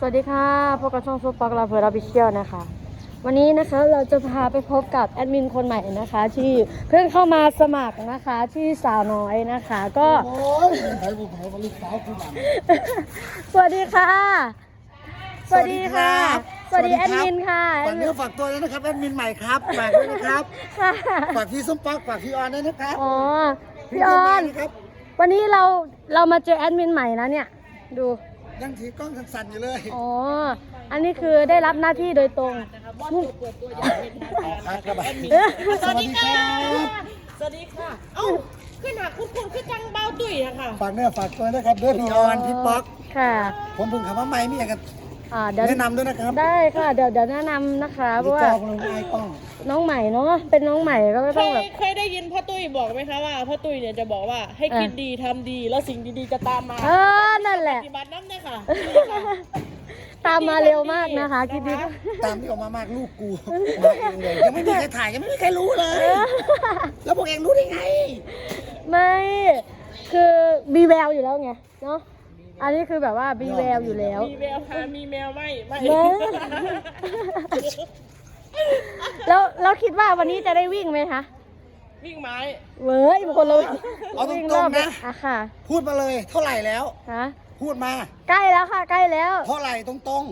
สวัสดีค่ะพบกับช่องซุปปักลาเพอร์ราบิเชียลนะคะวันนี้นะคะเราจะพาไปพบกับแอดมินคนใหม่นะคะที่เพิ่งเข้ามาสมัครนะคะที่สาวน้อยนะคะก็สวัสดีค่ะสวัสดีค่ะสวัสดีแอดมินค่ะฝากเนื้อฝากตัวด้วยนะครับแอดมินใหม่ครับฝากด้วยนะครับฝากพี่ส้มปักฝากพี่ออนด้วยนะครับอ๋อพี่ออนวันนี้เรามาเจอแอดมินใหม่นะเนี่ยดูยังถือกล้องสั่นๆอยู่เลยอ๋ออันนี้คือได้รับหน้าที่โดยตรงสวัสดีครับสวัสดีค่ะเอ้าขึ้นหาคุณขึ้นจังเบาตุ้ยอะค่ะฝากเนื้อฝากตัวนะครับด้วยพี่ออนพี่ป๊อกค่ะผมเพิ่งขับมาใหม่มีอะไรกันแนะนำด้วยนะครับได้ค่ะเดี๋ยวแนะนำนะคะเพราะว่าน้องใหม่เนาะเป็นน้องใหม่ก็ต้องแบบเคยได้ยินพ่อตุ้ยบอกไหมคะว่าพ่อตุ้ยเนี่ยจะบอกว่าให้คิดดีทำดีแล้วสิ่งดีๆจะตามมานั่นแหละปฏิบัตินั่นเลยค่ะตามมาเร็วมากนะคะคิดดีตามที่ออกมามากลูกกูมาเองเลยยังไม่มีใครถ่ายยังไม่มีใครรู้เลยแล้วพวกเองรู้ได้ไงไม่คือมีแววอยู่แล้วไงเนาะอันนี้คือแบบว่ามีแววอยู่แล้วมีแววค่ะมีแมวไม่แล้วคิดว่าวันนี้จะได้วิ่งไหมคะวิ่งไม้เว้ยคนเลยเอาตรงๆนะค่ะพูดมาเลยเท่าไหร่แล้วฮะพูดมาใกล้แล้วค่ะใกล้แล้วเท่าไหร่ตรง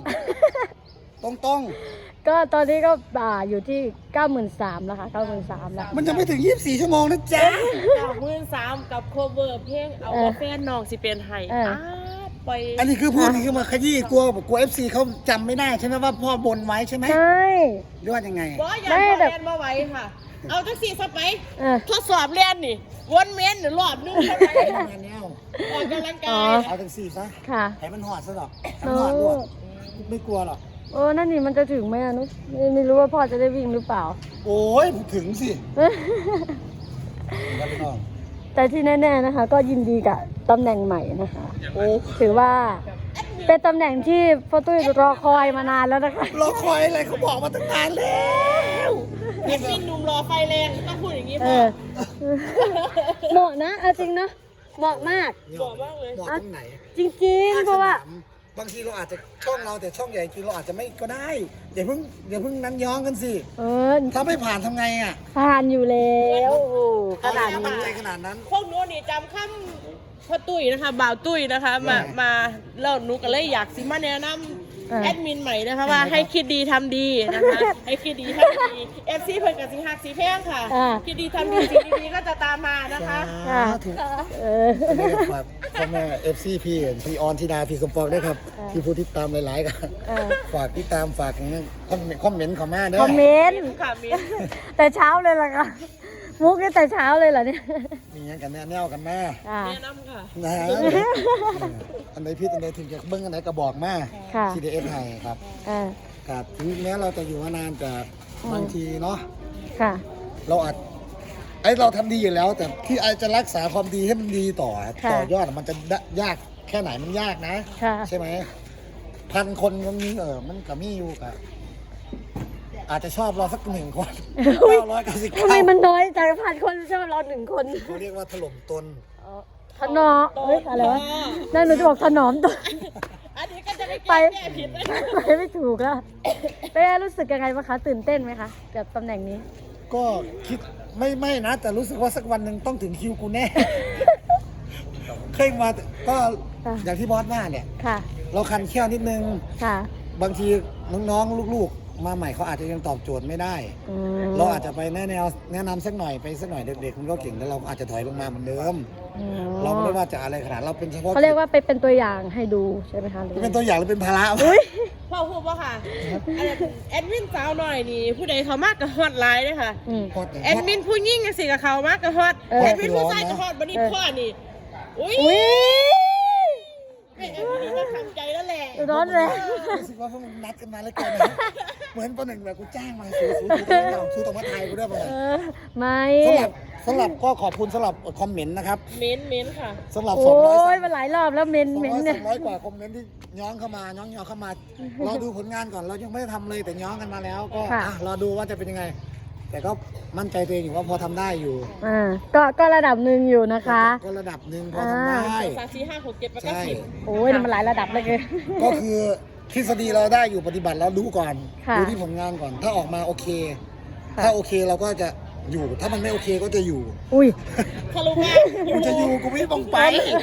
ก็ตอนนี้ก็อยู่ที่ 93,000แล้วค่ะ 93,000แล้วมันจะไม่ถึง24ชั่วโมงนะจ๊ะ 93,000กับโคเวอร์เพลงเอาแฟนน้องสิเป็นไห้ไปอันนี้คือพูดนี่คือมาขยี้กลัว FC เขาจำไม่ได้ใช่ไหมว่าพ่อบนไว้ใช่ไหมใช่หรือว่ายังไงไม่แบบเรียนมาไว้ค่ะเอาจังสี่สไปทดสอบเรียนนี่วนเมนหรือรอบนึงใช่ไหมออกกำลังกายเอาจังสี่ซะค่ะให้มันหอดซะหรอกมันหอดด้วยไม่กลัวหรอกนั่นนี่มันจะถึงไหมนุ๊กไม่รู้ว่าพ่อจะได้วิ่งหรือเปล่าโอ้ยถึงสิแต่ที่แน่ๆนะคะก็ยินดีกับตำแหน่งใหม่นะคะถือว่าเป็นตำแหน่งที่พ่อตุ้ยรอคอยมานานแล้วนะคะรอคอยอะไรเขาบอกมาตั้งนานแล้วเอ็ดมินหนุ่มรอไฟแรงต้องพูดอย่างนี้พ่อเหมาะนะเอาจริงเนาะเหมาะมากเหมาะมากเลยเหมาะตรงไหนจริงๆเพราะว่าบางทีเราอาจจะช่องเราแต่ช่องใหญ่จริงเราอาจจะไม่ก็ได้อย่าเพิ่งนั้นย้องกันสิถ้าไม่ผ่านทำไงอ่ะผ่านอยู่แล้วขนาดนั้นขนาดนั้นพวกนู้นนี่จำคำพ่อตุ้ยนะคะบ่าวตุ้ยนะคะมาแล้วหนูก็เลยอยากสิมาแนะนำแอดมินใหม่นะคะว่าให้คิดดีทำดีนะคะให้คิดดีทำดีFC เพิ่นกับสีหักสีแพงค่ะคิดดีทำดีสิ่งดีๆก็จะตามมานะคะถูกพ่อแม่ FC พี่ออนธิดาพี่สมปองด้วยครับพี่ผู้ติดตามหลายๆกันฝากติดตามฝากคอมเมนต์ของแม่ด้วยคอมเมนต์แต่เช้าเลยล่ะค่ะมุกนี่แต่เช้าเลยเหรอเนี่ยมีอย่างกันแนวกันแม่แนะนำค่ะนะอันไหนพี่อันไหนถึงจะเบิ้งอันไหนก็บอกแม่ CDS ไทยครับกับถึงแม้เราจะอยู่มานานแต่บางทีเนาะเราอาจเราทำดีอยู่แล้วแต่ที่อาจจะรักษาความดีให้มันดีต่อยอดมันจะยากแค่ไหนมันยากนะใช่ไหม1,000 คนมันมีมันก็มีอยู่กับอาจจะชอบเราสัก1 คน999 ทำไมมันน้อยจัง1,000 คนชอบเรา1 คนเขาเรียกว่าถล่มตนถนอมอะไรวะนั่นหนูจะบอกถนอมตนอันนี้ก็จะไปผิดไม่ถูกแล้วเป้รู้สึกยังไงบ้างคะตื่นเต้นไหมคะกับตำแหน่งนี้ก็คิดไม่นะแต่รู้สึกว่าสักวันหนึ่งต้องถึงคิวกูแน่เคยมาก็อย่างที่บอสว่าเนี่ยเราคันแค่นิดนึงบางทีน้องๆลูกๆมาใหม่เขาอาจจะยังตอบโจทย์ไม่ได้เราอาจจะไปแนะนำสักหน่อยเด็กๆมันก็เก่งแล้วเราอาจจะถอยลงมาเหมือนเดิมเราไม่ได้ว่าจะอะไรขนาดเราเป็นเฉพาะเขาเรียกว่าเป็นตัวอย่างให้ดูใช่ไหมคะเป็นตัวอย่างหรือเป็นภาระพ่อพูดว่าค่ะแอดมินสาวหน่อยนี่ผู้ใดเขามากกับฮอตไลน์เลยค่ะแอดมินผู้ยิ่งสิกับเขามากกับฮอตแอดมินผู้ชายกับฮอตบันนี้พ่อนี่อุ้ยไม่แอดมินก็ทำใจแล้วแหละร้อนเลยรู้สึกว่าพวกมึงนัดกันมาแล้วกันเหมือนประหนึ่งแบบกูจ้างมาซื้อตรงมาไทยกูด้วยป่ะไม่สำหรับก็ขอบคุณสำหรับคอมเมนต์นะครับเมนค่ะสำหรับ 200มาหลายรอบแล้วเมนเนี่ย200 กว่าคอมเมนต์ที่ย้อนเข้ามาเราดูผลงานก่อนเรายังไม่ได้ทำเลยแต่ย้อนกันมาแล้วก็รอดูว่าจะเป็นยังไงแต่ก็มั่นใจตัวเองอยู่ว่าพอทำได้อยู่ก็ระดับหนึ่งอยู่นะคะก็ระดับหนึ่งพอทำได้ 3 4 5 6 7 8 9 10 โอ้ยมันหลายระดับเลยก็คือทฤษฎีเราได้อยู่ปฏิบัติแล้วดูก่อนค่ะดูที่ผลงานก่อน ถ้าออกมาโอเค ถ้าโอเคเราก็จะอยู่ ถ้ามันไม่โอเคก็จะอยู่อุ้ยทะลุแม่กูจะอยู่กูไม่ต้องไป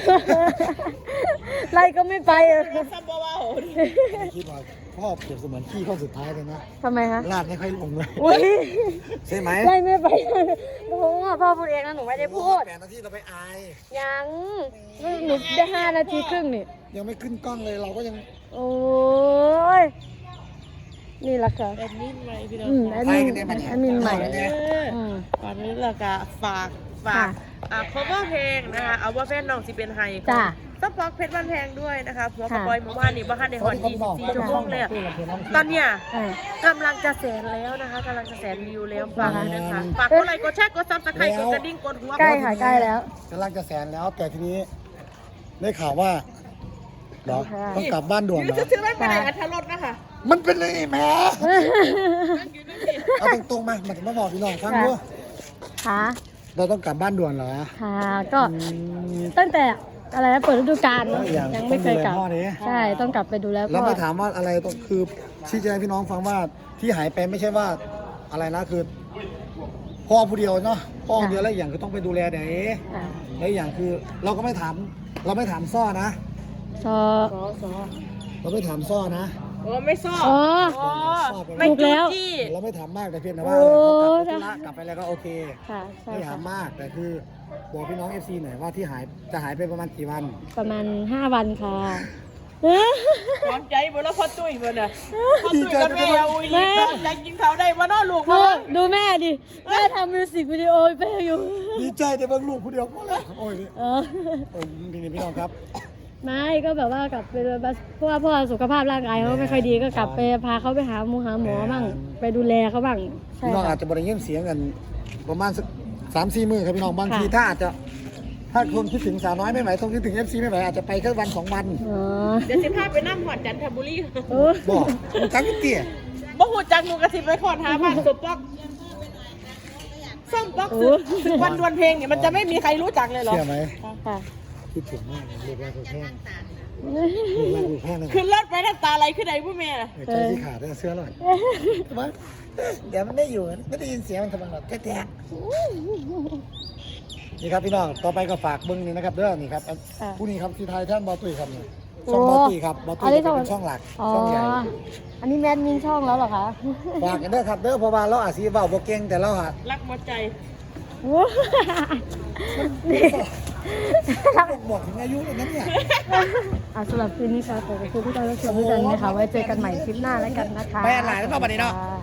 ไล่ก็ไม่ไปอะซัมบาวาโหคิดว่าพ่อเปรียบเสมือนขี้ข้อสุดท้ายเลยนะทำไมคะลาดไม่ค่อยลงเลยอุ้ยใช่ไหมไล่ไม่ไปโอ้โหพ่อพูดเองนะหนูไม่ได้พูด 8 นาทีเราไปอายยังหนูได้5 นาทีครึ่งนี่ยังไม่ขึ้นกล้องเลยเราก็ยังโอ้ย นี่แหละค่ะแอดมินใหม่พี่น้องแอดมินใหม่ก่อนนี้เราก็ฝากค่ะ cover เพลงนะคะเอาว่าแฟนน้องสิเป็นไฮจ้ะต้องปอกเพชรบ้านแพงด้วยนะคะหัวกระค่ะบอยเมื่อวานนี้บ้านในฮอน24ชั่วโมงเลยอะตอนเนี้ยอ่ากำลังจะแสนแล้วนะคะกำลังจะแสนวิวแล้วฝากด้วยนะคะฝากกดไลค์กดแชร์กดซับสไครต์กดกระดิ่งกดหัวใกล้ค่ะใกล้แล้วกำลังจะแสนแล้ว แต่ทีนี้ได้ข่าวว่าเหรอค่ะต้องกลับบ้านด่วนยืเหรอซื้อไม่ไปไหนอัธรสนะคะมันเป็นเลยแหม่นั่งอยู่นั่นสิเอาตรงๆมามันมาบอกพี่น้องฟังด้วยค่ะเราต้องกลับบ้านด่วนเหรอค่ะ ก็ตั้งแต่อะไรนะเปิดฤดูกาลเนอะอย่างยังไม่เคยกลับต้องดูแลพ่อดิใช่ ต้องกลับไปดูแลแล้วพ่อไม่ถามว่าอะไรต้องคือชี้แจงให้พี่น้องฟังว่าที่หายไปไม่ใช่ว่าอะไรนะคือพ่อผู้เดียวเนาะพ่อคนเดียวแล้วอย่างคือต้องไปดูแลเด็กอ่าแล้วอย่างคือเราก็ไม่ถามเราไม่ถามซ่อนะซอเราไม่ถามซ่อนะโอ้ไม่ซ่ออ๋อไม่ถูกแล้จู้วจี้เราไม่ถามมากแต่เพียงแต่ว่าโอ้เขากลับไปธุระกลับไปแล้วก็โอเคค่ะ ใช่ไม่ถาค่ะมมากแต่คือบอกพี่น้อง FC หน่อยว่าที่หายจะหายไปประมาณกี่วันประมาณ5 วันค่ะพร้อมใจบ่แล้วพ่อตุ้ยบ่น่ะพ่อตุ้ยกับแม่เอาอีกพร้อมใจกินเขาได้บ่เนาะลูกดูเนาะดูแม่ดิ แม่ทำมิวสิกวิดีโอไปอยู่ดีใจแต่เบิ่งลูกผู้เดียวก็แล้วโอ้ยเออโอ้ยพี่น้องครับไม่ก็แบบว่ากลับไปเพราะว่าพ่อสุขภาพร่างกายเขาไม่ค่อยดีก็กลับไปพาเขาไปหาหมอบ้างไปดูแลเขาบ้างใช่พี่น้องอาค่ะจจะบริเงียบเสียงกันประมาณสัก3-4 มื้อครับพี่น้องบางทีค่ะถ้าคนคิดถึงสาวน้อยไม่ไหวต้องคิดถึง FC ไม่ไหวอาจจะไปแค่วัน2 วันอ๋อเดี๋ยวสิพาไปนั่งหอดจันทบุรีโอ้บอกมันจังเตี้ยบ่ฮู้จักหนูก็สิไปขอหาบ้านสมปอกส้มปอกสึกวันดวลเพลงเนี่ยมันจะไม่มีใครรู้จักเลยเหรอเชื่อไหมค่ะคิดถึงมากเลยลูกแรกลูกแห้งลูกแรกลูกแห้งเลยขึ้นรถไปน้ำตาไหลขึ้นไหนผู้แม่น่ะใจที่ขาดได้เสื้อหน่อยว่าเดี๋ยวมันได้อยู่ไม่ได้ยินเสียงมันทำไมหรอกแท้ๆนี่ครับพี่น้องต่อไปก็ฝากเบิ้งนี่นะครับเด้อนี่ครับผู้นี้ครับที่ไทยท่านบอตุยครับนี่ช่องบอตุยครับบอตุยจะเป็นช่องหลักอ๋อช่องใหญ่อันนี้แมนมินช่องแล้วเหรอคะฝากกันเด้อครับเด้อเพราะว่าเราอาจจะเว้าบ่เก่งแต่เราหารักหมดใจโอ้นี่บอกถึงอายุเลยนะเนี่ยสำหรับคืนนี้ค่ะขอบคุณที่ได้รับชมด้วยกันนะคะไว้เจอกันใหม่คลิปหน้าแล้วกันนะคะไปอันไหนแล้วเนาะบัดนี้เนาะค่